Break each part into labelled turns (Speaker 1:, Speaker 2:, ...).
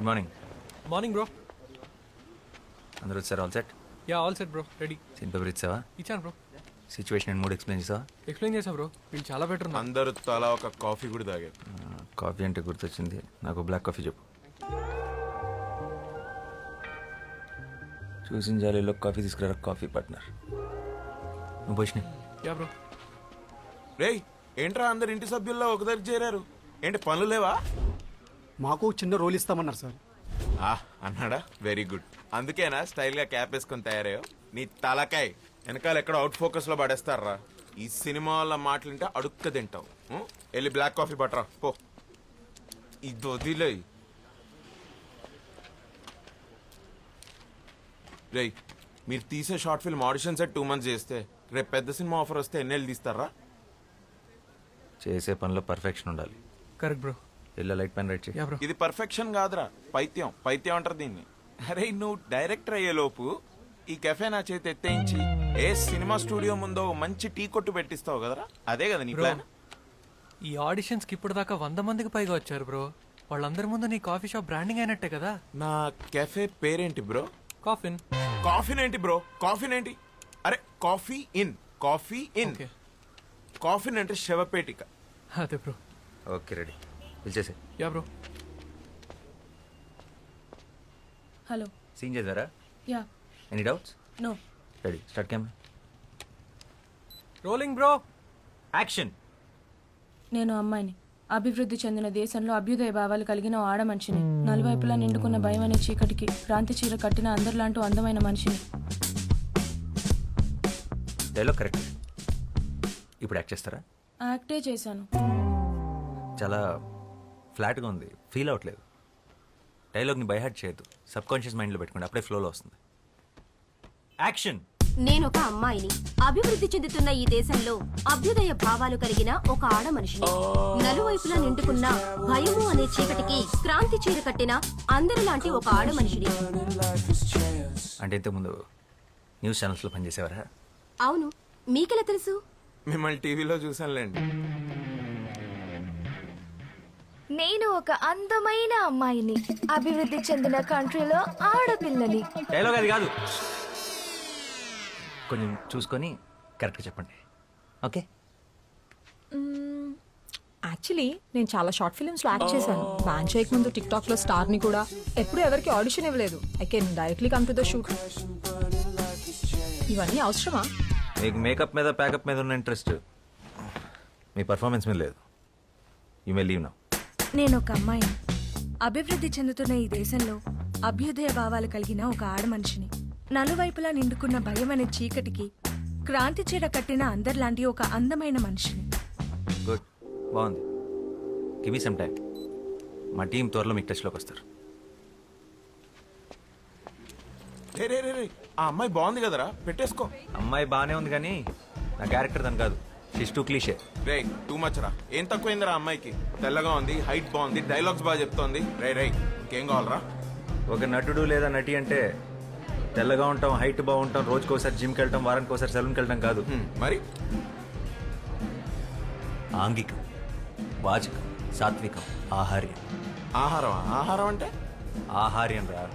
Speaker 1: Good morning.
Speaker 2: Morning bro.
Speaker 1: అందరూ వచ్చారు? All set?
Speaker 2: Yeah all set bro, ready.
Speaker 1: Scene paper ఇచ్చావా?
Speaker 2: ఇచ్చాను bro.
Speaker 1: Situation and mood explain చేసావా?
Speaker 2: Explain చేసా bro, వీళ్ళు చాలా బెటర్ ఉన్నారు.
Speaker 3: అందరూ తలా ఒక కాఫీ కూడా తాగారు.
Speaker 1: కాఫీ అంటే గుర్తొచ్చింది, నాకు బ్లాక్ కాఫీ చెప్పు. చూసిన జాలీలో కాఫీ తీసుకురా కాఫీ పార్ట్నర్. నువ్వు పోషిన.
Speaker 2: Yeah bro.
Speaker 3: రేయ్ ఏంట్రా అందరు ఇంటి సభ్యుల్లో ఒక దగ్గర చేరారు, ఏంటి పనులు లేవా?
Speaker 4: మాకు చిన్న రోల్ ఇస్తామన్నారు సార్.
Speaker 3: అన్నాడా? Very good. అందుకేనా స్టైల్గా క్యాప్ వేసుకొని తయారయ్యో? నీ తలకాయ్ వెనకాల ఎక్కడ అవుట్ ఫోకస్లో పడేస్తారా? ఈ సినిమా వాళ్ళ మాటలుంటే అడుక్క తింటావు. వెళ్ళి బ్లాక్ కాఫీ పట్టరా పో. ఇది వదిలే. రేయ్ మీరు తీసే short film audition set 2 months చేస్తే రేపు పెద్ద సినిమా ఆఫర్ వస్తే ఎన్నేళ్ళు తీస్తారా?
Speaker 1: చేసే పనిలో పర్ఫెక్షన్ ఉండాలి.
Speaker 2: Correct bro.
Speaker 1: ఇలా లైట్ పెన్ రైట్ చేయి.
Speaker 2: Yeah bro.
Speaker 3: ఇది పర్ఫెక్షన్ కాదురా, పైత్యం. పైత్యం అంటారు దీన్ని. అరే నువ్వు డైరెక్టర్ అయ్యేలోపు ఈ కెఫే నా చేతి ఎత్తేయించి ఏ సినిమా స్టూడియో ముందో మంచి టీ కొట్టు పెట్టిస్తావు కదరా, అదే కదా నీ ప్లాన్?
Speaker 2: ఈ ఆడిషన్స్కి ఇప్పుడు దాకా 100 మందికి పైగా వచ్చారు బ్రో. వాళ్ళందరి ముందు నీ కాఫీ షాప్ బ్రాండింగ్ అయినట్టే కదా.
Speaker 3: నా కెఫే పేరేంటి బ్రో?
Speaker 2: కాఫిన్.
Speaker 3: కాఫీన్ ఏంటి బ్రో? కాఫీన్ ఏంటి? అరే coffee in, coffee in.
Speaker 2: Okay.
Speaker 3: Coffin అంటే శవపేటిక.
Speaker 2: అదే బ్రో.
Speaker 1: ఓకే రెడీ, పిలిచేసే.
Speaker 2: Yeah bro.
Speaker 5: హలో.
Speaker 1: సీన్ చేద్దారా?
Speaker 5: Yeah.
Speaker 1: Any doubts?
Speaker 5: No.
Speaker 1: Ready, start camera.
Speaker 2: Rolling bro.
Speaker 1: Action.
Speaker 5: నేను అమ్మాయిని, అభివృద్ధి చెందిన దేశంలో అభ్యుదయ భావాలు కలిగిన ఓ ఆడ మనిషిని, నలువైపులా నిండుకున్న భయం అనే చీకటికి క్రాంతి చీర కట్టిన అందరిలాంటి అందమైన మనిషిని.
Speaker 1: Dialogue correct. ఇప్పుడు యాక్ట్ చేస్తారా?
Speaker 5: యాక్టే చేశాను.
Speaker 1: చాలా ఫ్లాట్గా ఉంది, ఫీల్ అవ్వట్లేదు. డైలాగ్ని బైహార్ట్ చేయొద్దు, సబ్ కాన్షియస్ మైండ్లో పెట్టుకోండి, అప్పుడే ఫ్లోలో వస్తుంది. యాక్షన్.
Speaker 6: నేనొక అమ్మాయిని, అభివృద్ధి చెందుతున్న ఈ దేశంలో అభ్యుదయ భావాలు కలిగిన ఒక ఆడ మనిషిని, నలువైపులా నిండుకున్న భయము అనే చీకటికి క్రాంతి చీర కట్టిన అందరిలాంటి ఒక ఆడ మనిషిని.
Speaker 1: అంటే ఇంతకుముందు న్యూస్ ఛానల్స్లో పనిచేసేవారా?
Speaker 6: అవును, మీకెలా తెలుసు?
Speaker 3: మిమ్మల్ని టీవీలో చూసానులేండి.
Speaker 7: నేను ఒక అందమైన అమ్మాయిని, అభివృద్ధి చెందిన కంట్రీలో ఆడపిల్లని.
Speaker 1: డైలాగ్ అది కాదు, కొంచెం చూసుకొని కరెక్ట్గా చెప్పండి. ఓకే.
Speaker 8: యాక్చువల్లీ నేను చాలా షార్ట్ ఫిల్మ్స్లో యాక్ట్ చేశాను. బ్యాన్ చేయక ముందు టిక్ టాక్లో స్టార్ని కూడా. ఎప్పుడు ఎవరికి ఆడిషన్ ఇవ్వలేదు. I can directly come to the shoot. ఇవన్నీ అవసరమా?
Speaker 1: మీకు మేకప్ మీద ప్యాకప్ మీద ఉన్న ఇంట్రెస్ట్ మీ పర్ఫార్మెన్స్ మీద లేదు. You may leave now.
Speaker 7: నేను ఒక అమ్మాయిని, అభివృద్ధి చెందుతున్న ఈ దేశంలో అభ్యుదయ భావాలు కలిగిన ఒక ఆడ మనిషిని, నలువైపులా నిండుకున్న భయం అనే చీకటికి క్రాంతి చీర కట్టిన అందరిలాంటి ఒక అందమైన మనిషిని.
Speaker 1: గుడ్, బాగుంది. Give me some time. మా టీం త్వరలో మీకు టచ్లోకి వస్తారు.
Speaker 3: రే రే రే రే, ఆ అమ్మాయి బాగుంది కదరా, పెట్టేసుకో.
Speaker 1: అమ్మాయి బాగానే ఉంది కానీ నా క్యారెక్టర్ దాని కాదు. She's too cliché.
Speaker 3: రే టూ మచ్ రా. ఏం తక్కువైందిరా అమ్మాయికి? తెల్లగా ఉంది, హైట్ బాగుంది, డైలాగ్స్ బాగా చెప్తోంది. రే రే ఇంకేం కావాలరా?
Speaker 1: ఒక నటుడు లేదా నటి అంటే తెల్లగా ఉంటాం, హైట్ బాగుంటాం, రోజుకోసారి జిమ్కి వెళ్ళటం, వారానికి ఒకసారి సెలూన్కి వెళ్ళటం కాదు.
Speaker 3: మరి
Speaker 1: ఆంగికం, వాచకం, సాత్వికం, ఆహార్యం.
Speaker 3: ఆహారం? ఆహారం అంటే
Speaker 1: ఆహార్యం రా.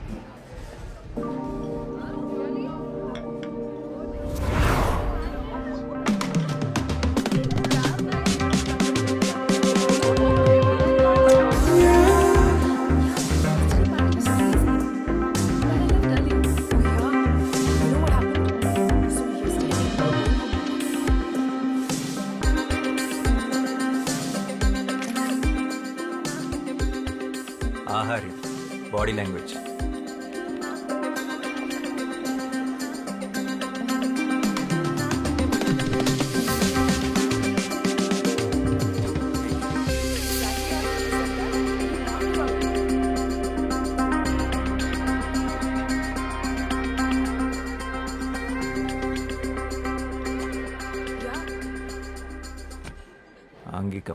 Speaker 1: ఆహార్యం, బాడీ లాంగ్వేజ్. ఆంగికం.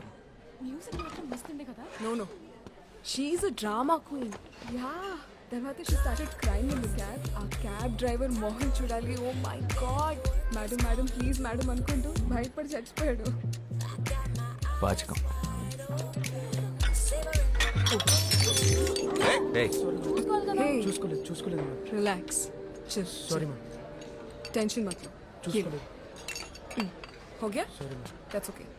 Speaker 8: No. She's a drama queen.
Speaker 7: Yeah, తర్వాత she started crying in the cab. ఆ క్యాబ్ డ్రైవర్ మోహన్ చూడాలి. Oh my god, madam madam please madam అనుకుంటూ భయపడి చచ్చిపోయాడు.
Speaker 1: వాచకం. ఏయ్,
Speaker 7: చూసుకోలేదు రిలాక్స్ సారీ మ్యామ్ టెన్షన్ మत लो చూసుకోలేదు हो गया दैट्स ओके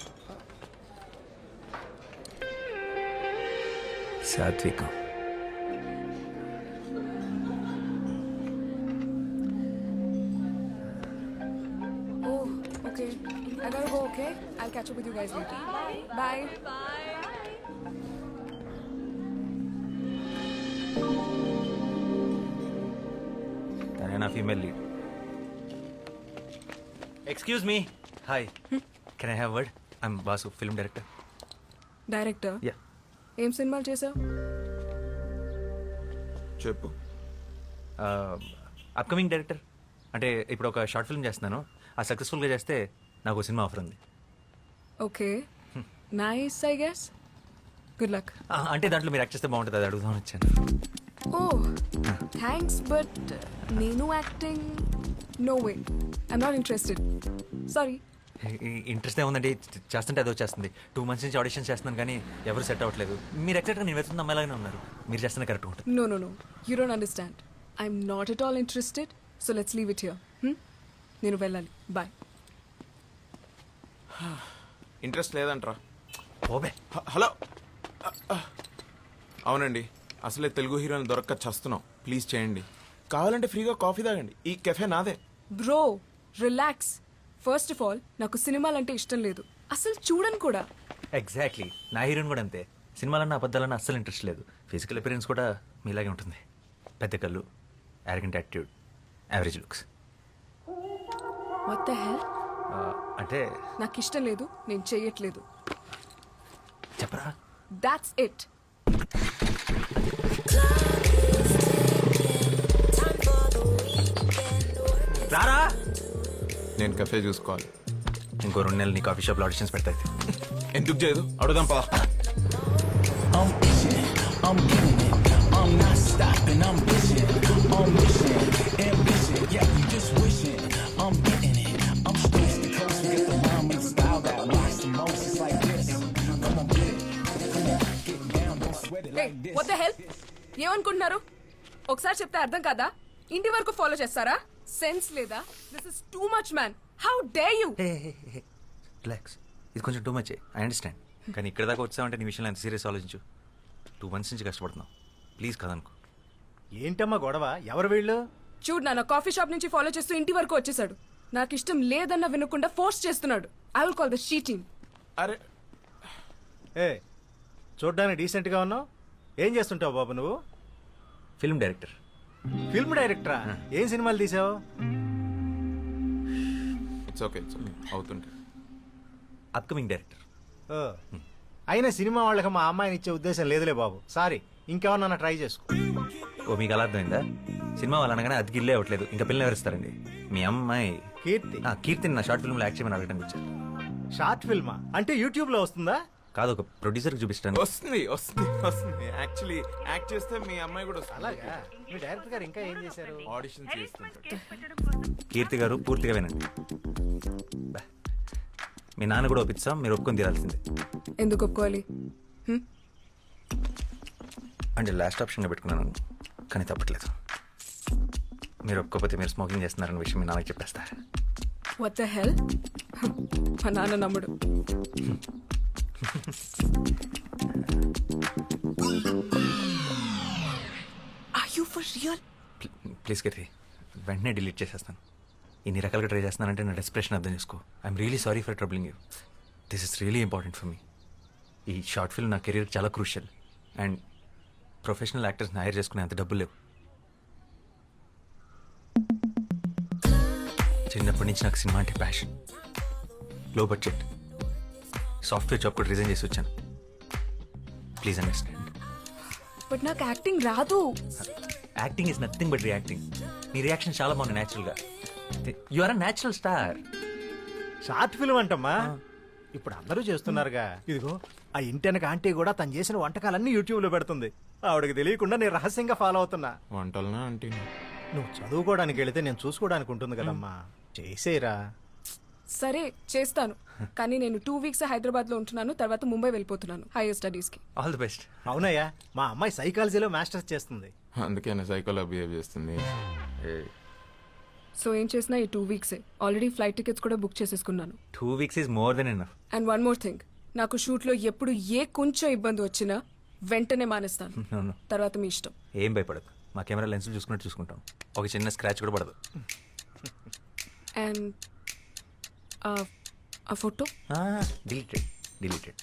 Speaker 1: సాత్వికం.
Speaker 7: Oh, okay. I gotta go, okay? I'll catch up with you guys later. Bye.
Speaker 1: తనే నా female lead. Excuse me. Hi, can I have word? I'm Basu, film director.
Speaker 7: Director
Speaker 1: yeah.
Speaker 7: ఏం సినిమాలు చేసావు?
Speaker 3: చెప్పు.
Speaker 1: Upcoming director. అంటే ఇప్పుడు ఒక షార్ట్ ఫిల్మ్ చేస్తున్నాను. ఆ సక్సెస్ఫుల్గా చేస్తే నాకు ఒక సినిమా ఆఫర్ ఉంది.
Speaker 7: Okay nice I guess good luck.
Speaker 1: అంటే దాంట్లో మీరు యాక్ట్ చేస్తే బాగుంటుంది, అది అడుగుదామని వచ్చాను.
Speaker 7: ఓ థ్యాంక్స్ బట్ నేను acting no way I'm not interested sorry.
Speaker 1: Interest ఏముందండి, చేస్తుంటే అదో చేస్తుంది. 2 months నుంచి ఆడిషన్ చేస్తున్నాను కానీ ఎవరు సెట్ అవ్వట్లేదు. మీరు ఎక్సెక్ట్గా నేను వెతున్న అమ్మాయిలాగానే ఉన్నారు. మీరు చేస్తున్న కరెక్ట్ ఉంటుంది.
Speaker 7: No, you don't understand. I'm not at all interested, so let's leave it here. నేను వెళ్ళాలి. బాయ్.
Speaker 3: ఇంట్రెస్ట్ లేదంట్రా?
Speaker 1: ఓబే.
Speaker 3: హలో. అవునండి, అసలే తెలుగు హీరోని దొరక్క చస్తున్నాం. ప్లీజ్ చేయండి. కావాలంటే ఫ్రీగా కాఫీ తాగండి. ఈ కెఫే నాదే.
Speaker 7: Bro relax. First of all నాకు సినిమాలంటే ఇష్టం లేదు, అసలు చూడను కూడా.
Speaker 1: ఎగ్జాక్ట్లీ, నా హీరోయిన్ కూడా అంతే. సినిమాలన్నా అబద్ధాలన్నా అస్సలు ఇంట్రెస్ట్ లేదు. ఫిజికల్ అపిరెన్స్ కూడా మీలాగే ఉంటుంది. పెద్ద కళ్ళు, arrogant attitude, average looks.
Speaker 7: What the hell?
Speaker 1: అంటే
Speaker 7: నాకు ఇష్టం లేదు, నేను చెయ్యట్లేదు.
Speaker 1: చెప్పరా?
Speaker 7: That's it.
Speaker 1: రారా.
Speaker 3: నేను కెఫే చూసుకోవాలి.
Speaker 1: ఇంకో 2 నెలలు నీ కాఫీ షాప్లో ఆడిషన్స్ పెడతాయి.
Speaker 3: ఎందుకు చేయదు? అడుగుదాం పదా.
Speaker 7: What the hell? ఏమనుకుంటున్నారు? ఒకసారి చెప్తే అర్థం కాదా? ఇంటి వరకు ఫాలో చేస్తారా? సెన్స్ లేదా? This is too much man. How dare you?
Speaker 1: Relax, ఇది కొంచెం టూ మచ్. ఐ అండర్స్టాండ్, కానీ ఇక్కడ దాకా వచ్చామంటే నీ విషయంలో ఎంత సీరియస్ ఆలోచించు. 2 months నుంచి కష్టపడుతున్నావు. ప్లీజ్ కదనుకో.
Speaker 9: ఏంటమ్మా గొడవ? ఎవరు వీళ్ళు?
Speaker 7: చూడు నాన్న, కాఫీ షాప్ నుంచి ఫాలో చేస్తూ ఇంటి వరకు వచ్చేసాడు. నాకు ఇష్టం లేదన్న వినకుండా ఫోర్స్ చేస్తున్నాడు. I will call the she team.
Speaker 3: అరే
Speaker 9: ఏ చూడ్డానికి డీసెంట్గా ఉన్నావు. ఏం చేస్తుంటావు బాబు నువ్వు?
Speaker 1: Film director.
Speaker 9: ఫిల్మ్ డైరెక్టరా? ఏం సినిమాలు తీసావు?
Speaker 3: ఇట్స్ ఓకే అవుతుంటే.
Speaker 1: Upcoming director.
Speaker 9: ఓ, అయినా సినిమా వాళ్ళకి మా అమ్మాయిని ఇచ్చే ఉద్దేశం లేదులే బాబు. సారీ, ఇంకెవరన్నా ట్రై చేసుకో.
Speaker 1: ఓ, మీకు అలా అర్థమైందా? సినిమా వాళ్ళు అనగానే అది గిల్లే అవ్వట్లేదు. ఇంకా పిల్లలు ఎవరిస్తారండి? మీ అమ్మాయి
Speaker 9: కీర్తి.
Speaker 1: కీర్తిని నా షార్ట్ ఫిల్మ్లో యాక్ట్ చేయమని అడగడానికి వచ్చారు.
Speaker 9: షార్ట్ ఫిల్మా? అంటే యూట్యూబ్లో వస్తుందా?
Speaker 1: కాదు, ఒక ప్రొడ్యూసర్కి చూపిస్తాను.
Speaker 3: వస్తుంది. యాక్చువల్లీ యాక్ట్ చేస్తే మీ అమ్మాయి కూడా వస్తుంది.
Speaker 9: అలాగా? మీ డైరెక్టర్ గారు ఇంకా ఏం చేశారు?
Speaker 3: ఆడిషన్ చేస్తుంటాడు.
Speaker 1: కీర్తి గారు పూర్తిగా వినండి. బా. మీ నాన్న కూడా ఒప్పిస్తాం, మీరు ఒప్పుకొని తీరాల్సిందే.
Speaker 7: ఎందుకు ఒప్పుకోవాలి?
Speaker 1: అంటే లాస్ట్ ఆప్షన్గా పెట్టుకున్నాను, కానీ తప్పట్లేదు. మీరు ఒప్పుకోకపోతే మీరు స్మోకింగ్ చేస్తున్నారన్న విషయం మీ నాన్నకి చెప్పేస్తారు.
Speaker 7: What the hell? మా నాన్న నమ్ముడు. Are you for real?
Speaker 1: Please Keerthi, వెంటనే డిలీట్ చేసేస్తాను. ఇన్ని రకాలుగా ట్రై చేస్తున్నానంటే నా డెస్ప్రెషన్ అర్థం చేసుకో. I'm really sorry for troubling you. This is really important for me. ఈ షార్ట్ ఫిల్మ్ నా కెరీర్ చాలా క్రూషియల్. అండ్ ప్రొఫెషనల్ యాక్టర్స్ని హైర్ చేసుకునే అంత డబ్బులు లేవు. చిన్నప్పటి నుంచి నాకు సినిమా అంటే passion. Low budget software job కూడా రిజైన్ చేసి వచ్చాను. Please understand.
Speaker 7: బట్ నాకు యాక్టింగ్ రాదు.
Speaker 1: Acting is nothing but reacting. నీ రియాక్షన్ చాలా బాగుంది న్యాచురల్గా. You are a natural star.
Speaker 9: Short film అంటమ్మా, ఇప్పుడు అందరూ చేస్తున్నారుగా. ఇదిగో ఆ ఇంటెనక ఆంటీ కూడా తను చేసిన వంటకాలన్నీ యూట్యూబ్లో పెడుతుంది. ఆవిడకి తెలియకుండా నేను రహస్యంగా ఫాలో అవుతున్నా.
Speaker 3: వంటలనా అంటే
Speaker 9: నువ్వు చదువుకోవడానికి వెళితే నేను చూసుకోవడానికి ఉంటుంది కదమ్మా. చేసేరా.
Speaker 10: సరే చేస్తాను, కానీ నేను 2 వీక్స్ హైదరాబాద్లో ఉంటున్నాను, తర్వాత ముంబై వెళ్ళిపోతున్నాను హైయర్ స్టడీస్కి.
Speaker 1: All the best.
Speaker 9: అవునయ్యా, మా అమ్మాయి సైకాలజీలో మాస్టర్స్ చేస్తుంది.
Speaker 3: అందుకేనా సైకోలో బిహేవ్ చేస్తుంది.
Speaker 10: సో ఏం చేసినా ఈ 2 వీక్సే. ఆల్రెడీ ఫ్లైట్ టికెట్స్ కూడా బుక్ చేసేసుకున్నాను.
Speaker 1: 2 weeks is more than enough.
Speaker 10: And one more thing, నాకు షూట్లో ఎప్పుడు కొంచెం ఇబ్బంది వచ్చినా వెంటనే మానేస్తాను.
Speaker 1: అవును,
Speaker 10: తర్వాత మీ ఇష్టం.
Speaker 1: ఏం భయపడదు, మా కెమెరా లెన్స్ చూసుకున్నట్టు చూసుకుంటాం. ఒక చిన్న స్క్రాచ్ కూడా పడదు.
Speaker 10: అండ్ ఆ ఫోటో
Speaker 1: డిలీటెడ్.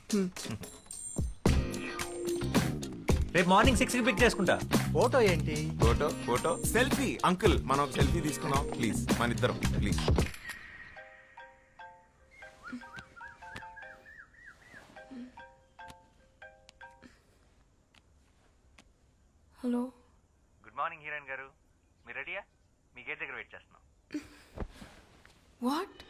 Speaker 1: రేపు మార్నింగ్ 6కి పిక్ చేసుకుంటా.
Speaker 9: ఫోటో ఏంటి?
Speaker 3: Photo selfie. అంకుల్ మనం ఒక సెల్ఫీ తీసుకుందాం ప్లీజ్, మన ఇద్దరం please.
Speaker 10: Hello.
Speaker 1: Good morning heroine గారు, మీరు రెడీయా? మీ గేట్ దగ్గర వెయిట్ చేస్తున్నాం.
Speaker 10: వాట్?